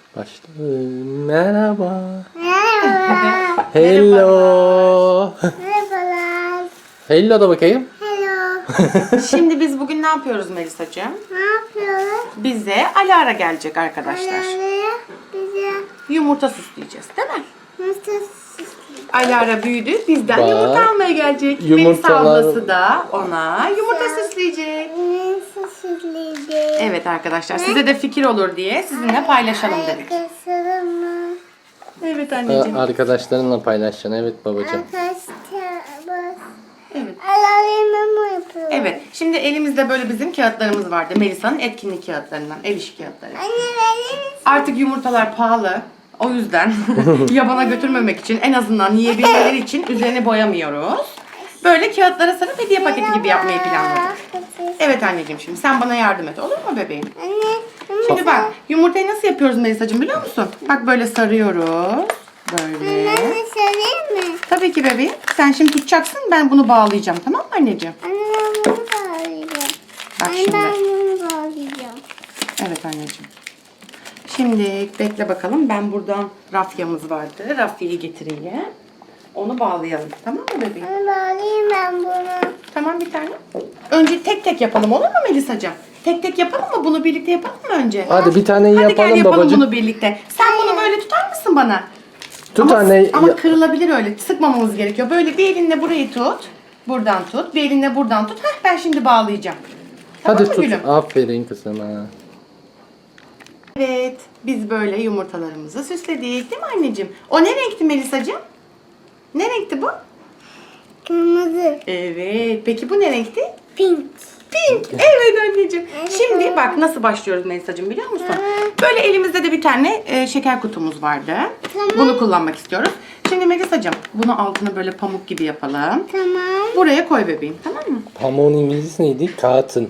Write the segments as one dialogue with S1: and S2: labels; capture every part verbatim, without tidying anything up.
S1: Başla. Merhaba.
S2: Merhaba.
S1: Hello.
S2: Merhabalar.
S1: Hello da bakayım.
S2: Hello.
S3: Şimdi biz bugün ne yapıyoruz Melisacığım?
S2: Ne yapıyoruz?
S3: Bize Alara gelecek arkadaşlar.
S2: Alara bize
S3: Yumurta süsleyeceğiz değil mi?
S2: nasıl
S3: Alara büyüdü. Bizden
S1: Bak,
S3: yumurta almaya gelecek.
S1: yumurtalar-
S3: Melisa ablası da ona yumurta süsleyecek.
S2: nasıl süsleyeceğiz?
S3: Evet arkadaşlar size de fikir olur diye sizinle paylaşalım dedik.
S2: Arkadaşlarım mı?
S3: Evet anneciğim.
S1: Aa, Arkadaşlarınla paylaşacaksın. Evet babacığım.
S2: Arkadaşlarımız.
S3: Evet.
S2: Alarmı mı yapıyoruz?
S3: Evet. Şimdi elimizde böyle bizim kağıtlarımız vardı. Melisa'nın etkinlik kağıtlarından. Ev işi kağıtları.
S2: Anne verir misin?
S3: Artık yumurtalar pahalı. O yüzden yabana götürmemek için en azından yiyebilmeleri için üzerini boyamıyoruz. Böyle kağıtlara sarıp hediye paketi gibi yapmayı planladık. Evet anneciğim şimdi sen bana yardım et olur mu bebeğim?
S2: Anne.
S3: Şimdi bak yumurtayı nasıl yapıyoruz Melisa'cığım biliyor musun? Bak böyle sarıyoruz. Böyle.
S2: Anne söyleyeyim mi?
S3: Tabii ki bebeğim. Sen şimdi tutacaksın ben bunu bağlayacağım tamam mı anneciğim?
S2: Anne ben bunu bağlayacağım.
S3: Bak
S2: Anne
S3: şimdi.
S2: ben bunu bağlayacağım.
S3: Evet anneciğim. Şimdi bekle bakalım. Ben buradan rafyamız vardı. Rafyayı getireyim. Onu bağlayalım. Tamam mı bebeğim?
S2: Anne bağlayayım ben bunu.
S3: Tamam bir tane. Önce tek tek yapalım olur mu Melisa'cığım? Tek tek yapalım mı? Bunu birlikte yapalım mı önce?
S1: Hadi bir tane
S3: Hadi
S1: yapalım
S3: gel yapalım
S1: babacığım.
S3: bunu birlikte. Sen bunu böyle tutar mısın bana?
S1: Tut
S3: ama,
S1: anne.
S3: Ama
S1: ya-
S3: kırılabilir öyle. Sıkmamamız gerekiyor. Böyle bir elinle burayı tut. Buradan tut. Bir elinle buradan tut. Heh, ben şimdi bağlayacağım. Tamam
S1: Hadi
S3: mı
S1: tut.
S3: gülüm?
S1: Aferin kızıma.
S3: Evet. Biz böyle yumurtalarımızı süsledik değil mi anneciğim? O ne renkti Melisa'cığım? Ne renkti bu?
S2: Kırmızı.
S3: Evet. Peki bu ne renkti?
S2: Pink.
S3: Pink. Evet anneciğim.
S2: Evet.
S3: Şimdi bak nasıl başlıyoruz Melisa'cığım biliyor musun? Böyle elimizde de bir tane e, şeker kutumuz vardı.
S2: Tamam.
S3: Bunu kullanmak istiyoruz. Şimdi Melisa'cığım bunu altını böyle pamuk gibi yapalım.
S2: Tamam.
S3: Buraya koy bebeğim tamam mı?
S1: Pamuğun İngilizcesi neydi? Kağıtın.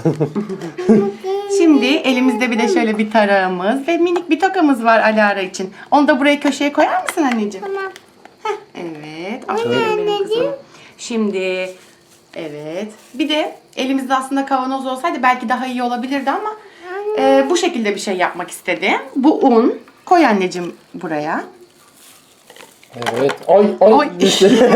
S3: Şimdi elimizde bir de şöyle bir tarağımız ve minik bir tokamız var Alara için. Onu da buraya köşeye koyar mısın anneciğim?
S2: Tamam.
S3: Heh, evet. Aferin benim
S2: anneciğim.
S3: kızıma. Şimdi evet. Bir de elimizde aslında kavanoz olsaydı belki daha iyi olabilirdi ama e, bu şekilde bir şey yapmak istedim. Bu un. Koy anneciğim buraya.
S1: Evet. Ay ay.
S3: Ay.
S1: düştü.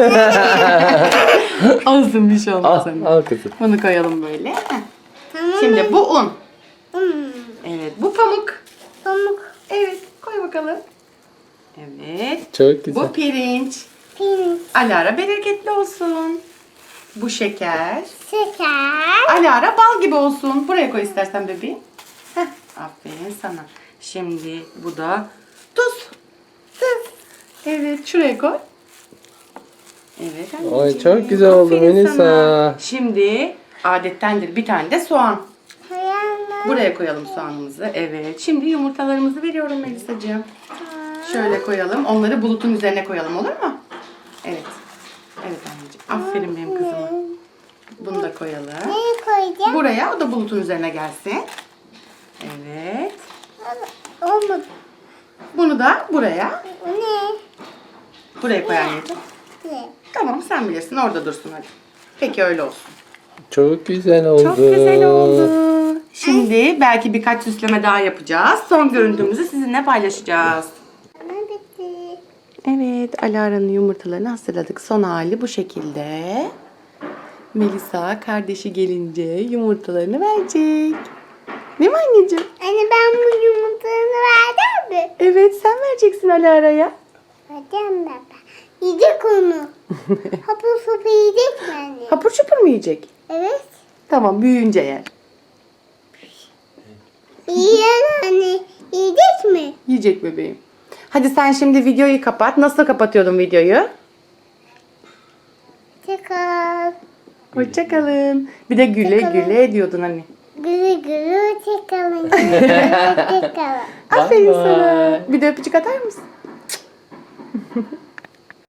S3: Olsun bir şey olmaz
S1: al,
S3: anne.
S1: al kızım.
S3: Bunu koyalım böyle. Heh.
S2: Tamam.
S3: Şimdi bu un.
S2: Hmm.
S3: Evet. Bu pamuk.
S2: Pamuk.
S3: Evet. Koy bakalım. Evet.
S1: Çok güzel.
S3: Bu pirinç.
S2: Pink.
S3: Alara bereketli olsun. Bu şeker.
S2: Şeker.
S3: Alara bal gibi olsun. Buraya koy istersen bebeğim. Heh, aferin sana. Şimdi bu da tuz. Tuz. Evet şuraya koy. Evet anneciğim.
S1: Ay, çok güzel oldu
S3: Aferin
S1: Melisa.
S3: sana. Şimdi adettendir bir tane de soğan.
S2: Hayalım.
S3: Buraya koyalım soğanımızı. Evet. Şimdi yumurtalarımızı veriyorum Melisa'cığım. Şöyle koyalım. Onları bulutun üzerine koyalım olur mu? Evet. Evet anneciğim. Aferin benim kızıma. Bunu da koyalım.
S2: Neyi koyacağım?
S3: Buraya o da bulutun üzerine gelsin. Evet.
S2: Olmadı.
S3: Bunu da buraya.
S2: O ne?
S3: Buraya koy anneciğim.
S2: Ne?
S3: Tamam sen bilirsin orada dursun hadi. Peki öyle olsun.
S1: Çok güzel oldu.
S3: Çok güzel oldu. Şimdi belki birkaç süsleme daha yapacağız. Son görüntümüzü sizinle paylaşacağız.
S2: Ama bitti.
S3: Evet, Alara'nın yumurtalarını hazırladık. Son hali bu şekilde. Melisa kardeşi gelince yumurtalarını verecek. Değil mi anneciğim?
S2: Anne ben bu yumurtalarını verdim mi?
S3: Evet, sen vereceksin Alara'ya.
S2: Verdim baba. Yiyecek onu. Hapur sopa yiyecek mi anne?
S3: Hapur çupur mu yiyecek?
S2: Evet.
S3: Tamam, büyüyünce yer.
S2: Yiyen anne. Yiyecek mi?
S3: Yiyecek bebeğim. Hadi sen şimdi videoyu kapat. Nasıl kapatıyordun videoyu?
S2: Çakal.
S3: Hoşçakalın. Bir de güle
S2: Hoşça kalın.
S3: güle diyordun hani.
S2: Gülü gülü çakalın. Çakalın.
S3: Aferin
S1: Bye
S3: sana.
S1: bye.
S3: Bir de öpücük atar mısın?